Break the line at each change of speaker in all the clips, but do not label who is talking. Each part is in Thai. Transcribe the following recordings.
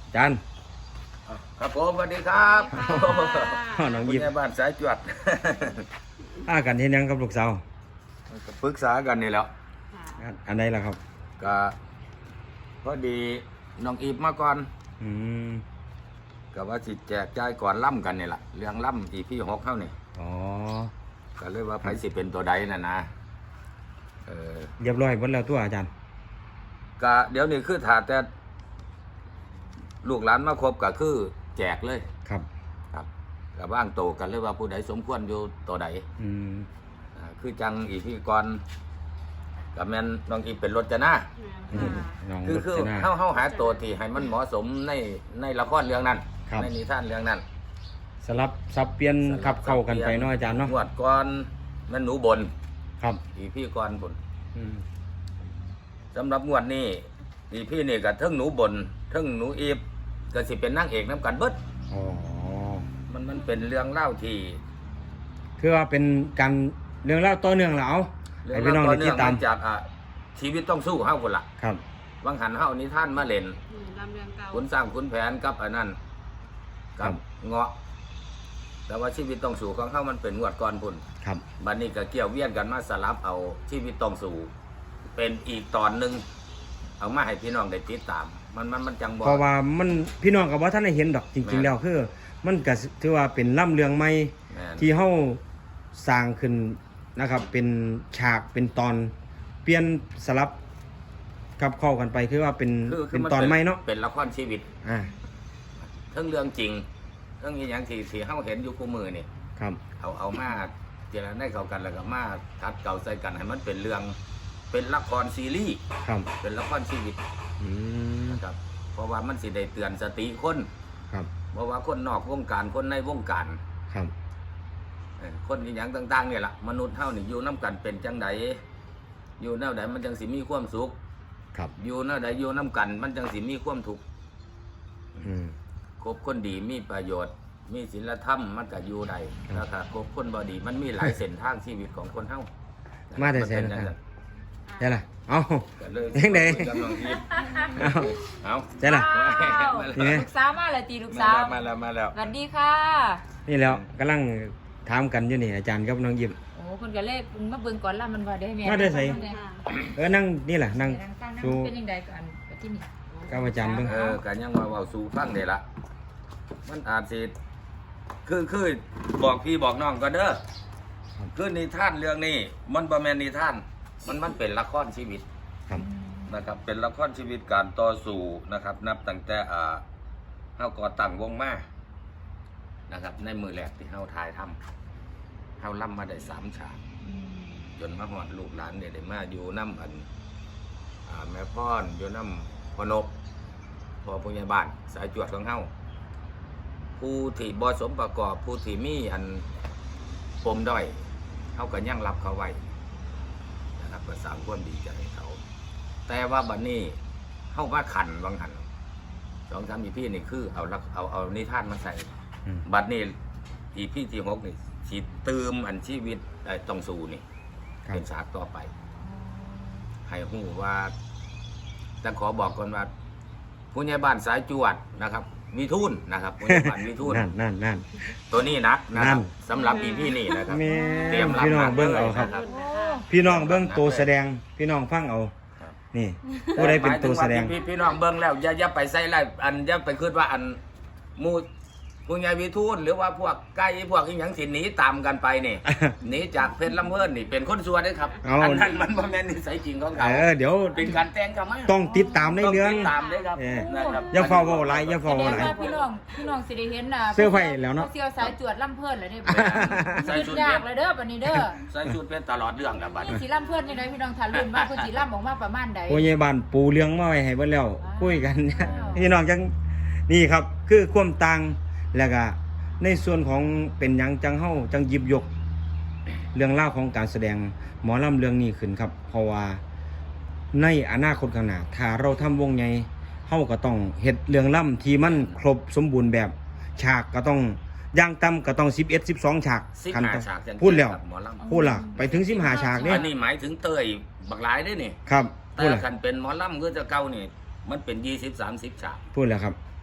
จาน
ครับผมสวัสดีครับ
น้อง
คุณ
ยิบ
แม่บ้านสายจวด
กันเห็นยังกับลูกสาว
ก็ปรึกษากันนี่แหล้ว
อันใดล่ะครับ
ก็พอดีน้องอีฟมาก่อน
อืม
ก็ว่าสิแจกจ่ายก่อนล่ำกันนี่แหละเรื่องล่ำอีพี่6เข้านี่
อ๋อ
ก็เลยว่าไผสิเป็นตัวใดน่ะนะ
เรียบร้อยหมดแล้วตัวอาจารย์
ก็เดี๋ยวนี้คือถ้าแต่ลูกหลานมาครบก็คือแจกเลย
ครับ
ครับกับบ้างโตกันเลยว่าผู้ใดสมควรอยู่ตัวใด
อืม
คือจังอีพี่ก่อนกับแม่นน้องอีเป็นรถจะหน้า
น้อง
คือ
รจนา
เฮาหาตัวที่ให้มันเหมาะสมในละครเรื่องนั้น
ครับ
ในนิทานเรื่องนั้น
สลับสับเปลี่ยนขับเข้ากันไปเนาะอาจารย์เนาะ
งวดก่อนแม่นหนูบน
ครับ
อีพี่ก่อนบน
อืม
สำหรับงวดนี้อีพี่นี่ก็เทิงหนูบนเทิงหนูอีฟก็สิเป็นนางเอกน้ำกันเบิด
อ๋อ
มันเป็นเรื่องเล่าที่
คือว่าเป็นการเรื่องเล่าวต่อเนื่องแล้วเอา
เรื่
ให้พี่น้อง
ต่
ได้ติดตาม
มาจากชีวิตต้องสู้เฮาคนละ
ครับ
วังหันเฮานิทานมาเล่น
ลำเรียงเก่า
ขุนสร้างขุนแผนกับอันนั้น
ครั
กับ เงาะ แต่ว่าชีวิตต้องสู่ของเขามันเป็นงวดก่อนพุ่น
ครับ
บัดนี้ก็เกี่ยวเวียนกันมาสลับเอาชีวิตต้องสู่ เป็นอีกตอนหนึ่งเอามาให้พี่น้องได้ติดตาม มันจังบ่
เพราะว่ามันพี่น้องกับว่าท่านได้เห็นดอกจริง
แม่
ๆ
น
แล้วคือ มันก็ถือว่าเป็นล่ำเรื่องใหม่
แม่น
ที่เฮาสร้างขึ้นนะครับ เป็นฉากเป็นตอนเปลี่ยนสลับกับเข้ากันไปคือว่าเป็นเป็นตอนใหม่เนาะ
เป็นละครชีวิต
อ่า
ทั้งเรื่องจริงทั้งอีหยังที่เฮาเห็นอยู่คู่มือนี่
ครับ
เอามาเจรจาเข้ากันแล้วก็มาคัดเก่าใส่กันให้มันเป็นเรื่องเป็นละครซีรีส์
ครับ
เป็นละครชีวิต
อืม
นะครับเพราะว่ามันสิได้เตือนสติคน
ครับ
เพราะว่าคนนอกวงการคนในวงการ
ครับ
คนอหย่างต่างๆเนี่ยล่ะมนุษย์เฮานี่อยู่น้ำกันเป็นจังไดอยู่แนวใดมันจังสิมีความสุข
ครับ
อยู่แนวใดอยู่น้ำกัน มันจังสิมีความทุกข์
อืม
คบคนดีมีประโยชน์ มีศีลธรรมมันก็อยู่ได้แล้วถ้าคบคนบ่ดีมันมีหลายเส้นทางชีวิตของคนเฮา
มาแต่
น
แสน
เป็น
นะ
จัง
ใช่ล่ะเอา
ก็เลย
ยังไง
คุยกับน้องอีฟ
เอา
เอา
ใช่ล่ะ นี่ไง
ลูกสาวมาเลยตีลูกสาว
มาแล้ว
สวัสดีค่ะ
นี่แล้วกำลังถามกันอยู่นี่อาจารย์กับน้องยิม
โอ้คนก็เลยมาเบิ่งก่อนล่ะมันว่าได้แม่
มาได้ไส นั่งนี่แหละนั่ง
ตั้ง
ดู
เป็นยังไงก่อนที่นี่
กับอาจารย์เบิ่ง
กันยังว่าเว้าสู่ฟังได้ละมันอาจสิคือบอกพี่บอกน้องก็เด้อคือนิทานเรื่องนี้มันบ่แม่นนิทานมันเป็นละครชีวิต
ครับ
นะครับเป็นละครชีวิตการต่อสู้นะครับ นับตั้งแต่เฮาก่อตั้งวงมานะครับ ในมือแรกที่เฮาถ่ายทำเฮาล่ำมาได้3ฉากจนมาฮอดลูกหลานเนี่ยได้มาอยู่น้ำอันแม่พ่อนอยู่น้ำพ่อนกพ่อผู้ใหญ่บ้านสายจวดของเฮาผู้ที่บ่สมประกอบผู้ที่มีอันปมด้อยเฮาก็ยังรับเขาไว้นะครับก็สร้างความดีใจให้เขา แต่ว่าบัดนี้เข้ามาขันบางหัน2-3 อีพี่นี่คือเอานิทานมาใส่
อืม
บัดนี้อีพี่ที่6นี่สิเติมอันชีวิตต้องสู้นี่
ครับ
เป็นฉากต่อไป ให้ฮู้ว่าแต่ขอบอกก่อนว่าผู้ใหญ่บ้านสายจวดนะครับมีทุนนะครับผู้ใหญ่บ้านมีทุน
นั่น
ตัวนี้นักนะครับ
นั่น
สำหรับอีพี่นี่นะครับ
แม่
เตรียมรับ
พี่น้องเบิ่งเอาครับ
นะครับ
พี่น้องเบิ่งตัวแสดง พี่น้องฟังเอา
ครับ
นี่ผู้ใดเป็นตัวแสดง
พี่น้องเบิ่งแล้วอย่าไปใส่ไรอันอย่าไปคิดว่าอันหมู่ผู้ใหญ่วิทูลหรือว่าพวกไก่พวกอีหยังสิหนีตามกันไป นี่ หนีจากเพชรลำเพิ่นนี่เป็นคนซัวเด้อครับ
เอา
อันนั้นมันบ่แม่นนิสัยจริงของเขา
เดี๋ยว
เป็นการแต่งกันมา
ต้องติดตามในเรื่อง
ต้ติดตามเด้อครับ
เออ
นะครับ
อย่าเฝ้าเว้าหลายอย่า
แส
เฝ้า
ด
เว้าง หลาย
ว่าพี่น้องสิได้เห็นน่ะ
เสื้อไผ่แล้วเนาะ
เสื้อสายจวดล่ำเพิ่นเลยเด้อ
ใส่
ยื
ชุ
ด
ด
ยากเลยเด้อบัดนี้เด้อ
ใส่ชุดเป็นตลอดเรื่องครับบัด
นี่
นี้
สิล่ำเพิ่นนี่ได้พี่น้องทารุ่นว่าเพิ่นสิล่ำออกมาประมาณใด
ผู้ใหญ่บ้านปูเรื่องมาไว้ให้เบิ่แล้ว
ว้าว
คุยกัน
ว้าว
พี่น้องจังนี่ครับ คือความต่างแล้วก็ในส่วนของเป็นหยังจังเฮาจังหยิบยก เรื่องราวของการแสดงหมอลำเรื่องนี้ขึ้นครับ เพราะว่าในอนาคตข้างหน้าถ้าเราทำวงใหญ่เฮาก็ต้องเฮ็ดเรื่องล่ำที่มันครบสมบูรณ์แบบ ฉากก็ต้องอย่างต่ำก็ต้อง11 12ฉาก
15ฉากจัง
พูดแล้ว
ครับหมอลำ
พูดล่ะไปถึง15ฉากนี่
อันนี้หมายถึงเตยบักหลายเด้อนี่
ครับ
แต่
พูดแล้ว
คันเป็นหมอลำก็จะเก่านี่มันเป็น20-30ฉาก
พูดแล้วครับ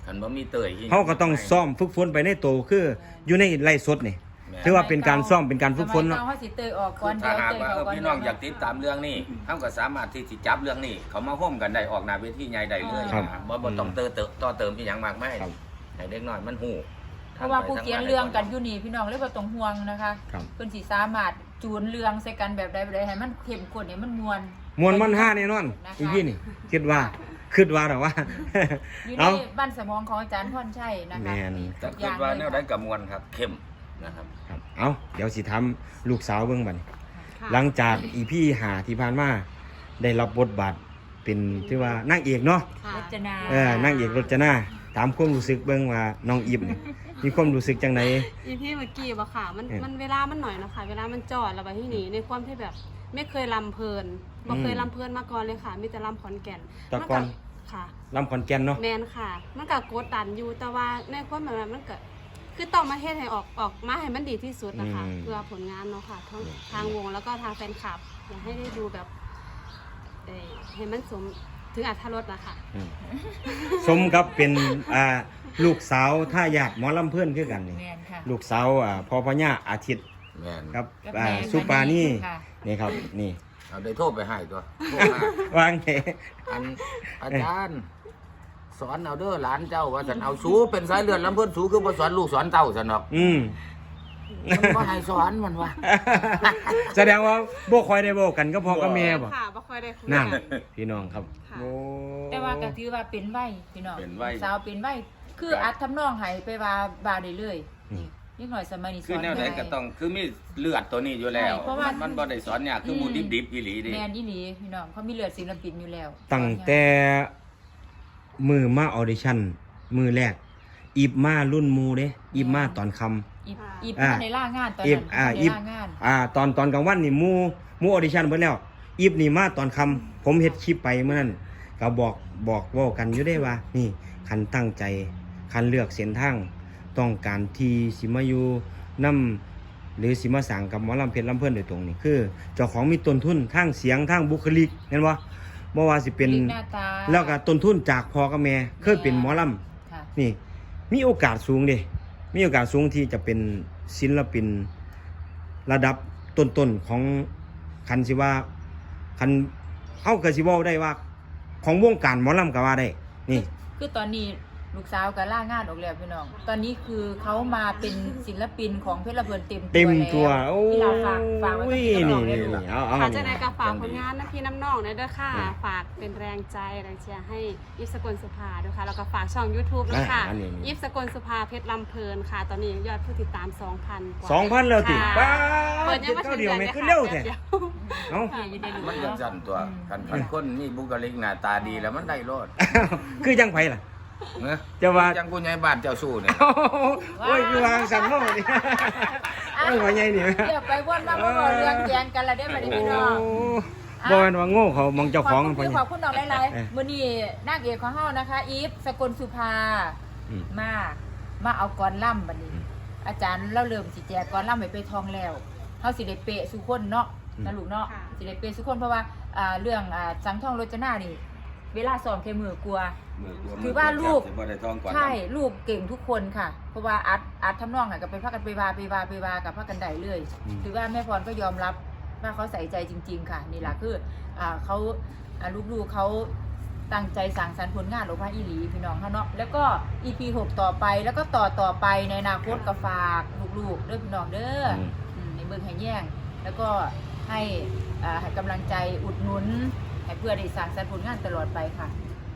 คันบ่มีเตย
เขาก็ต้องซ้อมฝึกฝนไปในโตคืออยู่ในไร่สดนี่ถือว่าเป็นการซ้อมเป็นการฝึกฝนเนาะ
สมัยก่อเขาสิเตยออกก่อน
ถ้า
เดี๋ยว
หาก
เตย
ว่า
เขาก่อน
พี่น้องอยากติดตามเรื่องนี้เฮาก็สามารถที่สิจับเรื่องนี้เขามาร่วมกันได้ออกหน้าเวทีใหญ่ได้เลย
ครับ
นะบ่ต้องต่อเติมอีหยังมากมาย
ครับ
ให้เด็กน้อยมันฮู้
เพราะว่าผู้เขียนเรื่องกันอยู่นี่พี่น้องเลยบ่ต้องห่วงนะคะ
ครับ
เพิ่นสิสามารถจูนเรื่องใส่กันแบบใดให้มันเข้มข้นให้มันม่วน
มวนมันห้าแน่นอน
นะคะ
อีพี่นี่คิดว่าหรอว่า
อยู่ใน
เอา
บ้านสมองของอาจารย์พรชัยนะคะ
แม่น
แต่
ทุกอ
คิด
ย่าง
ว่า
เล
แน
ยว
ใดก็ม่วนครับเข้มนะครับ
ครับเอาเดี๋ยวสิทำลูกสาวเบิ่งบัดนี้
ค่ะ
หลังจากอีพี่หาที่ผ่านมาได้รับบทบาทเป็นที่ว่านางเอกเนาะ
ค่ะ
รจนา
นางเอกรจนาถามความรู้สึกเบิ่งว่าน้องอิบนี่มีความรู้สึกจังได
อีพี่เมื่อกี้บ่ค่ะมัน
เออ
มันเวลามันหน่อยเนาะค่ะเวลามันจอดแล้วไปที่นี่ในความที่แบบไม่เคยลำเพลินบ่เคยลำเพลินมาก่อนเลยค่ะมีแต่ลำขอนแก่น
แต่ก่อน
ค่ะ
ลำขอนแก่นเนาะ
แมนค่ะ มันก็กดดันอยู่แต่ว่าในความหมายว่ามันก็คือต้องมาเฮ็ดให้ออกมาให้มันดีที่สุดนะคะเพื่อผลงานเนาะค่ะทั้งทางวงแล้วก็ทางแฟนคลับอยากให้ได้ดูแบบให้มันสมถึงอรรถรสนะคะ
อืมสมกับเป็นลูกสาวท่ายาดหมอลำเพื่อนคือกันนี่
แม่นค่ะ
ลูกสาวพ่อพญาอาทิตย์
แม่น
ครับ
กับแม่
สุปานี่
ค่ะ
นี่ครับนี่
เอาได้โทรไปให้ตัวโทรมาว
างเห
อันอาจารย์สอนเอาเด้อหลานเจ้าว่าสันเอาสูเป็นสายเลือดลำเพิ่นสูคือบ่สอนลูกสอนเต้าซั่นดอก มันบ่ให้สอนมันว่า
แสดงว่าบ่ค่อยได้บอกกันก็พอกับแม่บ่
ค่ะบ่ค่อยได้คุย
นั่น
กัน
พี่น้องครับ
ค่ะ
โอ้
แต่ว่าก็ถือว่าเป็นไว้พี่น้อง
เป็นไว้
สาวเป็นไว้คืออัดทำนองให้ไปว่าบาได้เลย
อืม
ยิ่งหน่อยสมัยนี้ส
คือ
อน
แนวใดก็ต้องคือมีเลือดตัวนี้อยู่แล้ว
ใช่เพราะว่า
มันบ่ได้สอนยากคือหมูดิบๆอีหลีดิ
แมนอีหลีพี่น้องเขามีเลือดศิลปินอยู่แล้ว
ตั้งแต่มือมาออดิชั่นมือแรกอีบมารุ่นหมูเด้อีบมาตอนค่ำ
อี
อ่า
ในล่างานตอน
อี
นั้
บ
น
อ่า
ใน
อีบ
ล่างาน
ตอนกลางวันนี่หมูออดิชั่นเบิดแล้วอีบนี่มาตอนค่ำผมเฮ็ดคลิปไปเมื่อนั้นก็บอกเว้ากันอยู่ได้ว่า นี่คันตั้งใจคันเลือกเส้นทางต้องการที่สิมาอยู่นำหรือสิมาสร้างกับหมอลำเพชรลำเพิ่นโดยตรงนี่คือเจ้าของมีต้นทุนทางเสียงทางบุคลิกเห็นบ่บ่ว่าสิเป็น
ลิกหน้าตา
แล้วก็ต้นทุนจากพ่อกับแม่เคยเป็นหมอล
ค่ะ
ำนี่ มีโอกาสสูงเด้มีโอกาสสูงที่จะเป็นศิลปินระดับต้นๆของคันสิว่าคันเฮาก็สิเว้าได้ว่า ของวงการหมอลำก็ว่าได้ นี่
คือตอนนี้ลูกสาวก็ล่างานออกแล้วพี่น้อง ตอนนี้คือเขามาเป็นศิลปินของเพชรเพื่อนเต็ม
เต็มตัว
แล้ว
โอ้
พี่ลาฝากไว้กับพี่น้องได้
นี่
ลูก
เอา
ค่ะจะได้
นี่
กับฝากผลงานนะพี่น้ำน้องเด้อค่ะ
อืม
ฝากเป็นแรงใจแรงเชียร์ให้ยิปสกลสุภาด้วยค่ะแล้วก็ฝากช่อง YouTube ด้วยค่ะ
อันนี้
ยิปสกลสุภาเพชรลำเพลินค่ะ ตอนนี้ยอดผู้ติดตาม 2,000 กว่า
2,000แล้วติ
ค่ะ
ป้า
เปิด
ด
ยังไม่
เท่า
ถึง
เดียว
เดือน
แม่
เลย
คือ
ค่ะ
เร็วแท้
แป๊บเดียว
เอ้า
ค่ะอยู่ในลูก
มันจังซั่นตัวคันคนมีบุคลิกหน้าตาดีแล้วมันได้โลด
คือจังไผล่ะ
เนอะ
จะว่า
จังผู้ใหญ่บ้านเจ้าสู้เนี่ย
โอ้ยคือวางสั่งเมานี่โอ้ยว่าใหญ่นี่
เดี๋ยวไปวนมาบ่เรื่องแกงกันละเด้อบัดนี้พี่น้อง
บ่แม่นว่าโง่เขามองเจ้าของ
ขอบ
พ่อ
คุณ
ใหญ่
ขอบคุณน้องหลาย
เออ
ๆมื้อนี้นางเอกของเฮานะคะ อีฟสกลสุภา
อืม
มาเอากรล่ำบัดนี้ อาจารย์เราเริ่มสิแจกกรล่ำไปทองแล้วเฮาสิได้เปะสุคนเนาะนะลูกเนาะ
ค่ะ
สิได้เปะสุคนเพราะว่าเรื่องสังทองโรจนานี่ เวลาซ้อมแค่มือกลัว ถือว่าลูก
สิบ่ได้ท้องก่อน
ใช่ลูกเก่งทุกคนค่ะ เพราะว่าอัดทำนองก็ไปพากันไปวากับพากันได้เลย ถือว่าแม่พรก็ยอมรับว่าเขาใส่ใจจริง ๆ ค่ะ นี่แหละคือเขาลูกๆเขาตั้งใจสั่งสรรค์ผลงานออกมาอีหลีพี่น้องเขาเนาะแล้วก็ EP 6 ต่อไปแล้วก็ต่อไปในอนาคตก็ฝากลูกๆเด้อพี่น้องเด้อในเมืองแห่งแย่งแล้วก็ให้กำลังใจอุดหนุนให้เพื่อได้สั่งสรรค์ผลงานตลอดไปค่ะ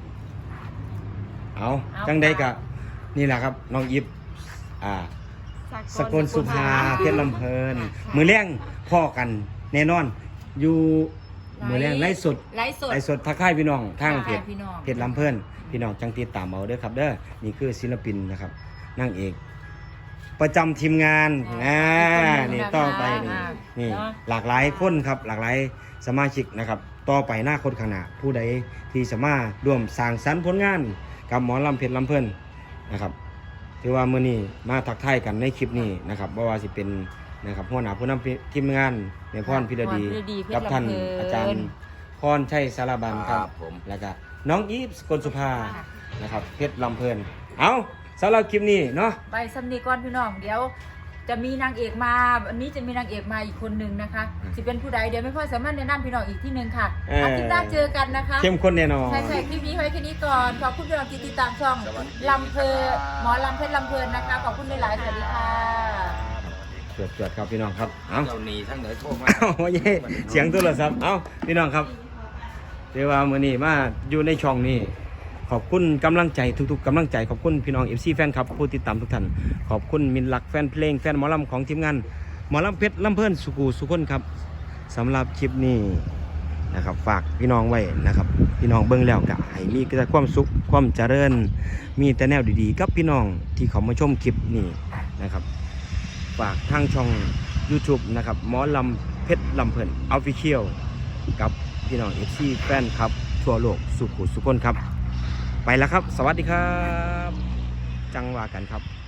เอา
เอา
จังใด
ค่ะ
ก็นี่แหละครับน้องอิฟสกลสุภาเพชรลำเพลิน มือแรงพ่อกันแน่นอน อยู่มือแรงไลฟ์สด
ไลฟ์สด
ไลฟ์สดทักทายพี่น้องทางเพจ
ทักทายพี่น้อง
เพจลำเพลินพี่น้องจังติดตามเอาเด้อครับเด้อนี่คือศิลปินนะครับนางเอก ประจำทีมงานนี่ต่อไปนี่
เนาะ
หลากหลายคนครับหลากหลายสมาชิกนะครับ ต่อไปหน้าคนข้างหน้าผู้ใดที่สามารถร่วมสร้างสรรค์ผลงานกับหมอลำเพชรลำเพลินนะครับถือว่ามื้อนี้มาทักทายกันในคลิปนี้นะครับบ่ว่าสิเป็นนะครับหัวหน้าผู้นำทีมงานในพรพิรดี
พรพิรดีเพชร
กับท่าน
ลำเพลิน
อาจารย์พรชัยสารบันครับ
ผม
แล้วก็น้องอีฟสกลสุภานะครับเพชรลำเพลินเอาสำหรับคลิปนี้เนาะ
ไปสำนีก่อนพี่น้องเดี๋ยวจะมีนางเอกมาวันนี้จะมีนางเอกมาอีกคนนึงนะคะจะเป็นผู้ใดเดี๋ยวไม่พ่อสามารถแนะนำพี่น้องอีกที่นึงค่ะอาทิตย์หน้าเจอกันนะคะ
เข้มข้นแน่นอน
ใช่คลิปนี้ไว้แค่นี้ก่อนขอบคุณพี่น้องที่ติดตามช่องลำเพลินหมอลำเพชรลำเพลินนะคะขอบคุณหลายๆสวัสดีค่ะ
จวดครับพี่น้องครับเอา
เจ้าหนีทั้งเหนือโทรมา
เอาเย้เสียงโทรศัพท์เอาพี่น้องครับเรียกว่ามื้อนี้มาอยู่ในช่องนี้ขอบคุณกำลังใจทุกๆกำลังใจขอบคุณพี่น้อง FC แฟนครับผู้ติดตามทุกท่านขอบคุณมินลักแฟนเพลงแฟนหมอลำของทีมงานหมอลำเพชรลำเพลินสุกูสุคนครับสำหรับคลิปนี้นะครับฝากพี่น้องไว้นะครับพี่น้องเบิ่งแล้วก็ให้มีแต่ความสุขความเจริญมีแต่แนวดีๆกับพี่น้องที่เขามาชมคลิปนี้นะครับฝากทางช่อง YouTube นะครับหมอลำเพชรลำเพลิน Official กับพี่น้อง FC แฟนครับทั่วโลกสุขุสุคนครับไปแล้วครับสวัสดีครับจังว่ากันครับ